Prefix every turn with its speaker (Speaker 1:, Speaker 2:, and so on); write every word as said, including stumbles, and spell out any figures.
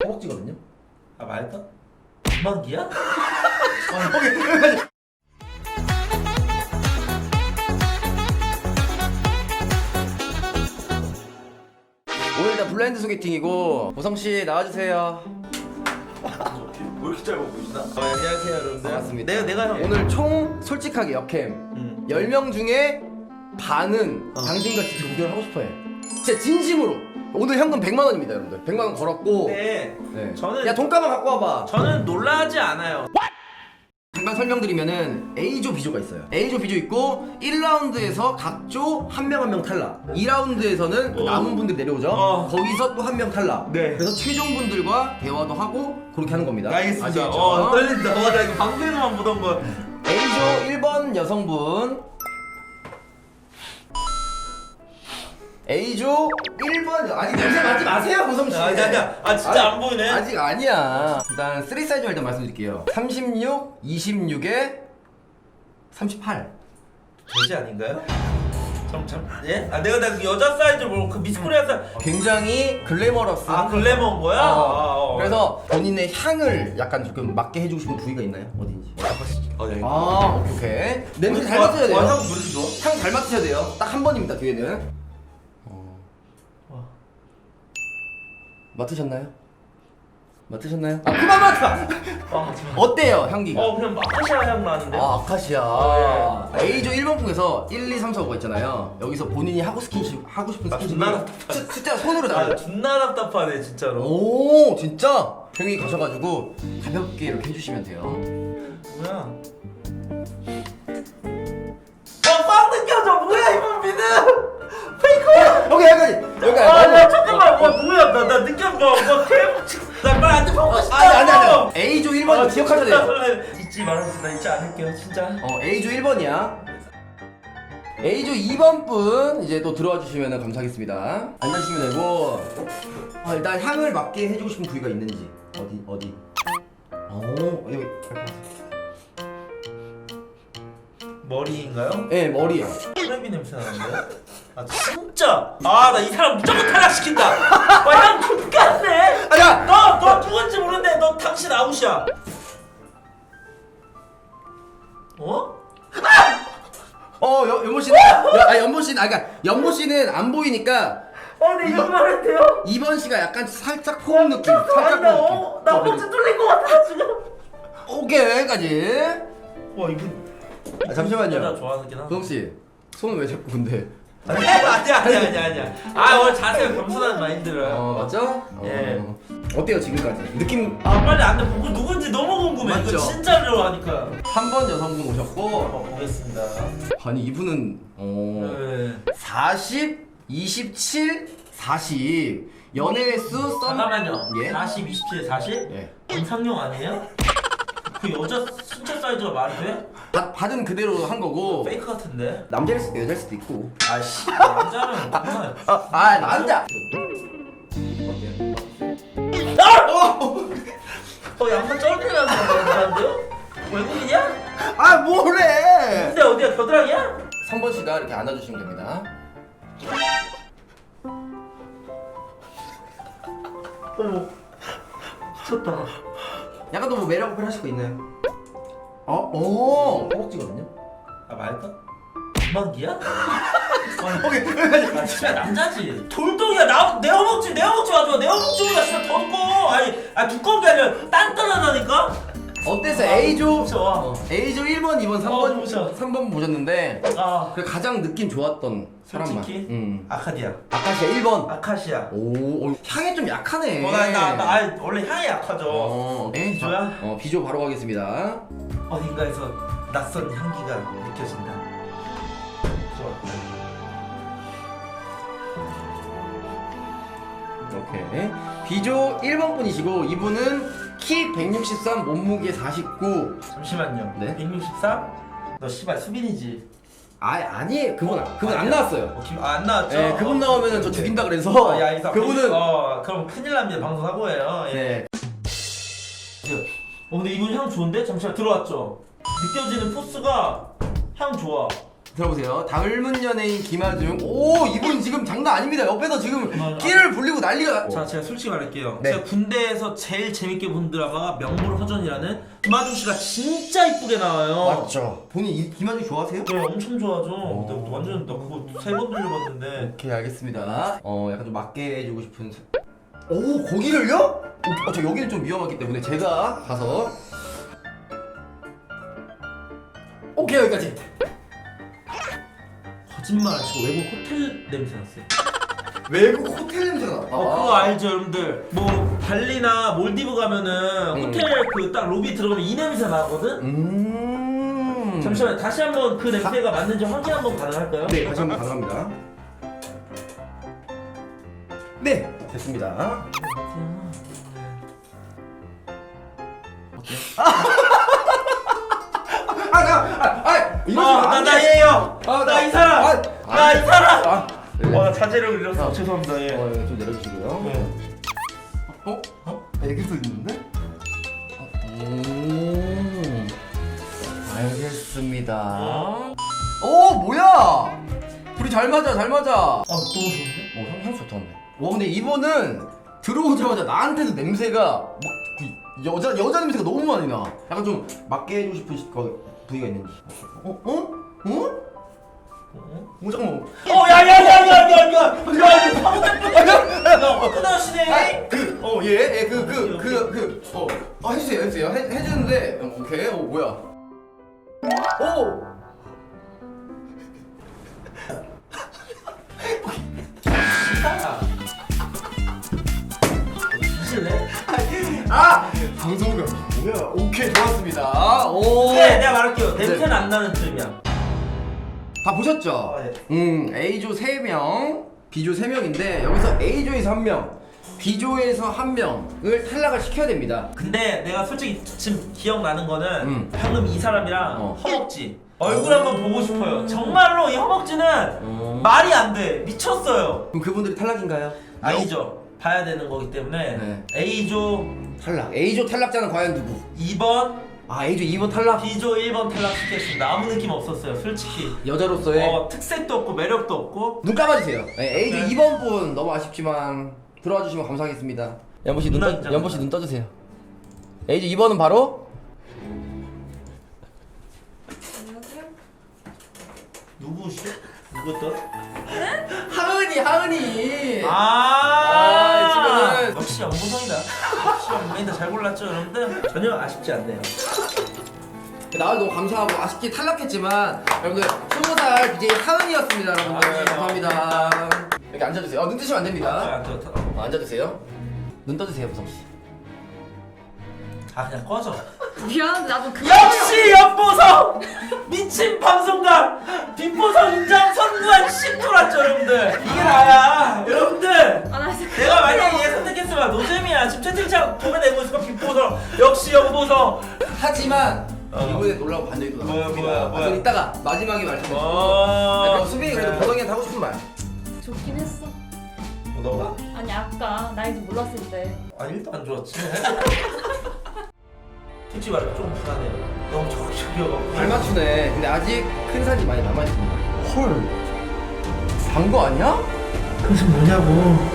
Speaker 1: 허벅지거든요.
Speaker 2: 아 말까? 금방기야?
Speaker 1: 아, 오케이. 오늘 다 블라인드 소개팅이고 보성씨 나와주세요.
Speaker 2: 왜 이렇게 짧아 보이시나? 어, 안녕하세요 여러분들.
Speaker 1: 반갑습니다.
Speaker 2: 내가 내가 형.
Speaker 1: 오늘 총 솔직하게 역캠
Speaker 2: 음.
Speaker 1: 열 명 중에 반은
Speaker 2: 어.
Speaker 1: 당신같이 동결을 하고 싶어해. 진짜 진심으로. 오늘 현금 백만 원입니다 여러분들. 백만 원 걸었고.
Speaker 2: 네.
Speaker 1: 네.
Speaker 2: 저는
Speaker 1: 야 돈가방 갖고 와봐.
Speaker 2: 저는 놀라지 않아요.
Speaker 1: 잠깐 설명드리면은 A조, B조가 있어요. A조, B조 있고 일 라운드에서 각 조 한 명 한 명 탈락. 이 라운드에서는 그
Speaker 2: 어.
Speaker 1: 남은 분들 내려오죠.
Speaker 2: 어.
Speaker 1: 거기서 또 한 명 탈락.
Speaker 2: 네.
Speaker 1: 그래서 최종 분들과 대화도 하고 그렇게 하는 겁니다.
Speaker 2: 알겠습니다.
Speaker 1: 아시겠죠?
Speaker 2: 어 떨린다. 와 나 이거 방송에서만 보던 거.
Speaker 1: A조 일 번 여성분. A조 일 번 아직 냄새 맡지 마세요 고성씨.
Speaker 2: 아, 아니, 아니야. 아, 진짜 안 보이네.
Speaker 1: 아직 아니야. 일단 쓰리 사이즈를 일단 말씀드릴게요. 삼십육, 이십육에 삼십팔.
Speaker 2: 돼지 아닌가요? 참 참. 예? 아 내가 나 여자 사이즈 뭐그 미스코리아 사이즈.
Speaker 1: 굉장히 글래머러스.
Speaker 2: 아 글래머인 거야?
Speaker 1: 어.
Speaker 2: 아, 어.
Speaker 1: 그래서 본인의 향을 약간 조금 맡게 해주고 싶은 부위가 있나요? 어딘지.
Speaker 2: 어, 네.
Speaker 1: 아 오케이 오케이. 냄새 잘
Speaker 2: 와,
Speaker 1: 맡으셔야 돼요.
Speaker 2: 와, 향 왜 이렇게 좋아?
Speaker 1: 향 잘 맡으셔야 돼요. 딱 한 번입니다 뒤에는. 어.
Speaker 2: 와.
Speaker 1: 맡으셨나요? 맡으셨나요? 아 그만 맡아!
Speaker 2: 아,
Speaker 1: 어때요 향기가?
Speaker 2: 어 그냥 마카시아 향 나는데.
Speaker 1: 아 아카시아.
Speaker 2: 아,
Speaker 1: A조 일 번 풍에서 일, 이, 삼, 사, 오가 있잖아요. 여기서 본인이 하고 스킨십 하고 싶은
Speaker 2: 아,
Speaker 1: 스킨십을
Speaker 2: 존나
Speaker 1: 스- 진짜 손으로
Speaker 2: 아
Speaker 1: 잡아요.
Speaker 2: 존나 답답하네 진짜로.
Speaker 1: 오 진짜? 형이 가셔가지고 가볍게 이렇게 해주시면 돼요.
Speaker 2: 뭐야? 어빵 느껴져. 뭐야 이 분비는? 페이커야.
Speaker 1: 여기 여기까지 여기까지.
Speaker 2: 아,
Speaker 1: 너무-
Speaker 2: 나 잠깐만. 와 뭐야? 나 나 느껴져. 뭐 케이블 나 빨리 앉아 보고 싶다.
Speaker 1: 아니 아니 아니. A조 일 번
Speaker 2: 아,
Speaker 1: 기억하셔야
Speaker 2: 진짜
Speaker 1: 돼요.
Speaker 2: 설레. 잊지 말아주세요. 나 잊지 않을게요 진짜.
Speaker 1: 어 A조 일 번이야. A조 이 번 분 이제 또 들어와 주시면 감사하겠습니다. 앉아주시면 되고. 아, 일단 향을 맡게 해주고 싶은 부위가 있는지 어디 어디. 오 여기.
Speaker 2: 머리인가요?
Speaker 1: 네 머리요.
Speaker 2: 크래비 냄새 나는데? 아 진짜! 아 나 이 사람 무조건 탈락시킨다! 와향 X같네!
Speaker 1: 아야.
Speaker 2: 너! 너 누군지 모르는데 너 당신 아웃이야! 어?
Speaker 1: 어 연- 연보 씨는 아 연보 씨는 아 그러니까 연보 씨는 안 보이니까
Speaker 2: 아 근데 이런 말 했대요?
Speaker 1: 이 번 씨가 약간 살짝 포옹 느낌. 살짝
Speaker 2: 아니 나
Speaker 1: 포옹
Speaker 2: 어?
Speaker 1: 느낌.
Speaker 2: 나 허벅지 뚫린 것 같아 지금!
Speaker 1: 오케이 여기까지.
Speaker 2: 와 이분
Speaker 1: 아, 잠시만요.
Speaker 2: 여자 좋아하긴 하다
Speaker 1: 도성 씨 손은 왜 자꾸 근데?
Speaker 2: 아니 아니야 아니야 아니야 아니야 아 오늘 자세가 겸손한 마인드를
Speaker 1: 어 맞죠?
Speaker 2: 예.
Speaker 1: 어. 어때요 지금까지? 느낌
Speaker 2: 아 빨리 안돼 보고 누군지 너무 궁금해
Speaker 1: 맞죠?
Speaker 2: 이거 진짜로 하니까
Speaker 1: 한 번 여성분 오셨고
Speaker 2: 한번 보겠습니다
Speaker 1: 아니 이분은 어
Speaker 2: 네.
Speaker 1: 사십, 이십칠, 사십 연애 횟수 썸
Speaker 2: 잠깐만요.
Speaker 1: 예?
Speaker 2: 사십, 이십칠, 사십?
Speaker 1: 예.
Speaker 2: 임상용 아니에요? 그 여자 신체 사이즈가 말이 돼?
Speaker 1: 받, 받은 그대로 한 거고
Speaker 2: 페이크 같은데?
Speaker 1: 남자일 수도 여자일 수도 있고
Speaker 2: 아씨 남자는 정말
Speaker 1: 아, 아 남자
Speaker 2: 어 양반 쩔리라서 그러는데요? 외국인이야?
Speaker 1: 아 뭐래
Speaker 2: 근데 어디야 겨드랑이야?
Speaker 1: 삼 번 씨가 이렇게 안아주시면 됩니다.
Speaker 2: 어머 미쳤다
Speaker 1: 약간 더 뭐 매력 어필 하실 거 있나요? 어? 오 허벅지거든요?
Speaker 2: 아 말까? 금방기야?
Speaker 1: 오케이
Speaker 2: 아 진짜 남자지 돌덩이야 나, 내 허벅지 내 허벅지 맞아 내 허벅지보다 진짜 더 두꺼워 아니 아 두꺼운 게 아니라 단단하다니까?
Speaker 1: 어땠어?
Speaker 2: 아,
Speaker 1: A조
Speaker 2: 무서워.
Speaker 1: 어, A조 일 번, 이 번, 삼
Speaker 2: 어,
Speaker 1: 번,
Speaker 2: 무서워.
Speaker 1: 삼 번 보셨는데
Speaker 2: 아
Speaker 1: 그 가장 느낌 좋았던 사람만
Speaker 2: 솔직히?
Speaker 1: 음.
Speaker 2: 아카디아
Speaker 1: 아카시아 일 번
Speaker 2: 아카시아
Speaker 1: 오, 오 향이 좀 약하네
Speaker 2: 어, 나, 나, 나, 아, 원래 향이 약하죠.
Speaker 1: 어, 네,
Speaker 2: 비조야?
Speaker 1: 어, 비조 바로 가겠습니다.
Speaker 2: 어딘가에서 낯선 향기가 느껴진다. 좋아.
Speaker 1: 오케이. 비조 일 번 분이시고 이분은 키 백육십삼, 몸무게 사십구.
Speaker 2: 잠시만요.
Speaker 1: 네?
Speaker 2: 백육십삼? 너 씨발 수빈이지?
Speaker 1: 아 아니 그분 그분 안
Speaker 2: 아니야.
Speaker 1: 나왔어요.
Speaker 2: 어, 김, 아, 안 나왔죠?
Speaker 1: 네, 그분
Speaker 2: 어,
Speaker 1: 나오면은 저
Speaker 2: 오케이.
Speaker 1: 죽인다 그래서
Speaker 2: 어, 야, 이 사람
Speaker 1: 그분은
Speaker 2: 어, 그럼 큰일 납니다. 방송 사고예요. 예.
Speaker 1: 네.
Speaker 2: 어, 근데 이분 향 좋은데? 잠시만 들어왔죠? 느껴지는 포스가 향 좋아.
Speaker 1: 들어보세요. 닮은 연예인 김하중. 오, 이분 지금 장난 아닙니다. 옆에서 지금
Speaker 2: 맞아.
Speaker 1: 끼를 불리고 난리가.
Speaker 2: 자, 제가 솔직히 말할게요.
Speaker 1: 네.
Speaker 2: 제가 군대에서 제일 재밌게 본 드라마가 명불허전이라는 김하중 씨가 진짜 이쁘게 나와요.
Speaker 1: 맞죠. 본인 이, 김하중 좋아하세요?
Speaker 2: 네, 엄청 좋아하죠.
Speaker 1: 오.
Speaker 2: 그때부터 완전 나 그거 세 번 돌려봤는데.
Speaker 1: 오케이, 알겠습니다. 어, 약간 좀 맞게 해주고 싶은. 사- 오, 거기를요? 어, 저 여기는 좀 위험하기 때문에 제가 가서. 오케이, 여기까지.
Speaker 2: 거짓말 치고 외국 호텔 냄새 났어요.
Speaker 1: 외국 호텔 냄새가 나.
Speaker 2: 어, 그거 알죠, 여러분들? 뭐 발리나 몰디브 가면은
Speaker 1: 음.
Speaker 2: 호텔 그 딱 로비 들어가면 이 냄새 나거든.
Speaker 1: 음.
Speaker 2: 잠시만 다시 한번 그 냄새가 맞는지 확인 한번 가능할까요?
Speaker 1: 네, 다시 한번 가능합니다. 네, 됐습니다. 아, 나, 아, 아, 이러시면
Speaker 2: 아,
Speaker 1: 안
Speaker 2: 나
Speaker 1: 돼.
Speaker 2: 나예요.
Speaker 1: 아,
Speaker 2: 나 이 사람.
Speaker 1: 아,
Speaker 2: 나 이 사람.
Speaker 1: 아, 네.
Speaker 2: 와, 자제를 잃었어.
Speaker 1: 아.
Speaker 2: 죄송합니다. 예.
Speaker 1: 어, 예, 좀 내려주시고요.
Speaker 2: 네.
Speaker 1: 어? 어? 애기도 있는데? 어, 음, 알겠습니다.
Speaker 2: 어?
Speaker 1: 오, 뭐야? 둘이 잘 맞아, 잘 맞아.
Speaker 2: 아, 너무 좋은데?
Speaker 1: 어, 향, 향수 좋던데. 와, 근데 이분은 들어오자마자 나한테도 냄새가 막 그 여자 여자 냄새가 너무 많이 나. 약간 좀 맞게 해주고 싶은 시- 거, 부위가 있는지. 어? 어? 어?
Speaker 2: 어?
Speaker 1: 어, 잠깐만.
Speaker 2: 어, 야, 야, 야, 야, 야, 야, 야, 이거 바보 야, 끝나시네.
Speaker 1: 아, 그, 어, 예, 예, 그, 그, 그, 그, 어, 어, 해주세요, 해주세요. 해, 해주는데, 어, 오케이, 어, 뭐야. 오!
Speaker 2: 미실래?
Speaker 1: 아! 방송감. 뭐야. 오케이, 좋았습니다. 오!
Speaker 2: 네, 내가 말할게요. 냄새는 안 나는 트림이야.
Speaker 1: 다 보셨죠?
Speaker 2: 아, 네.
Speaker 1: 음, A조 세 명, B조 세 명인데, 여기서 A조에서 한 명, B조에서 한 명을 탈락을 시켜야 됩니다.
Speaker 2: 근데 내가 솔직히 지금 기억나는 거는
Speaker 1: 음.
Speaker 2: 방금 이 사람이랑
Speaker 1: 어.
Speaker 2: 허벅지 얼굴 한번 보고 싶어요. 정말로 이 허벅지는
Speaker 1: 어.
Speaker 2: 말이 안 돼. 미쳤어요.
Speaker 1: 그럼 그분들이 탈락인가요?
Speaker 2: 아니죠. 봐야 되는 거기 때문에
Speaker 1: 네.
Speaker 2: A조
Speaker 1: 탈락. A조 탈락자는 과연 누구?
Speaker 2: 이 번,
Speaker 1: 아, A조 이 번 탈락?
Speaker 2: B조 일 번 탈락시켰습니다. 아무 느낌 없었어요. 솔직히.
Speaker 1: 여자로서의
Speaker 2: 어, 특색도 없고 매력도 없고.
Speaker 1: 눈 감아주세요. 네, A조
Speaker 2: 네.
Speaker 1: 이 번 분 너무 아쉽지만 들어와 주시면 감사하겠습니다. 연보 씨 눈
Speaker 2: 눈
Speaker 1: 떠,
Speaker 2: 앉아.
Speaker 1: 연보 씨 눈 떠주세요. A조 이 번은 바로
Speaker 2: 누구시? 누구였더?
Speaker 1: 하은이, 하은이.
Speaker 2: 아,
Speaker 1: 아, 지금은-
Speaker 2: 역시 연보성이다. 역시 연보성이다. 잘 골랐죠, 여러분들? 전혀 아쉽지 않네요.
Speaker 1: 나를 너무 감사하고 아쉽게 탈락했지만 여러분들 스무 살 비제이 하은이었습니다, 여러분들.
Speaker 2: 아니에요.
Speaker 1: 감사합니다. 여기 앉아주세요. 어, 눈 뜨시면 안 됩니다.
Speaker 2: 아, 저, 저,
Speaker 1: 어, 앉아주세요. 눈 떠주세요, 보성 씨.
Speaker 2: 아, 그냥 꺼져.
Speaker 3: 미안한데 나도 그
Speaker 2: 역시 연보성! 미친 방송가! 뒷보성 인정 선구한 씹돌았죠, 여러분들. 이게 나야, 여러분들.
Speaker 3: 아, 나 진짜
Speaker 2: 내가 만약에 얘 선택했으면 노잼이야. 지금 채팅창 보면 내고 있을 거 뒷보성. 역시 연보성.
Speaker 1: 하지만
Speaker 2: 어.
Speaker 1: 이번에 놀라고 반전이 또
Speaker 2: 뭐야,
Speaker 1: 나왔습니다.
Speaker 2: 뭐야,
Speaker 1: 아,
Speaker 2: 뭐야.
Speaker 1: 그럼 이따가 마지막에 말씀드릴게요.
Speaker 2: 어.
Speaker 1: 그럼 수빈이 그래도 보성이한테 하고 싶은 말.
Speaker 3: 좋긴 했어.
Speaker 2: 너가?
Speaker 3: 아니 아까 나이도 몰랐을 때.
Speaker 2: 아, 일도 안 좋았지. 솔직히 말해 좀 불안해. 너무 적극적이어갖고.
Speaker 1: 잘 맞추네. 근데 아직 큰 산이 많이 남아있습니다. 헐. 산 거 아니야?
Speaker 2: 그래서 뭐냐고.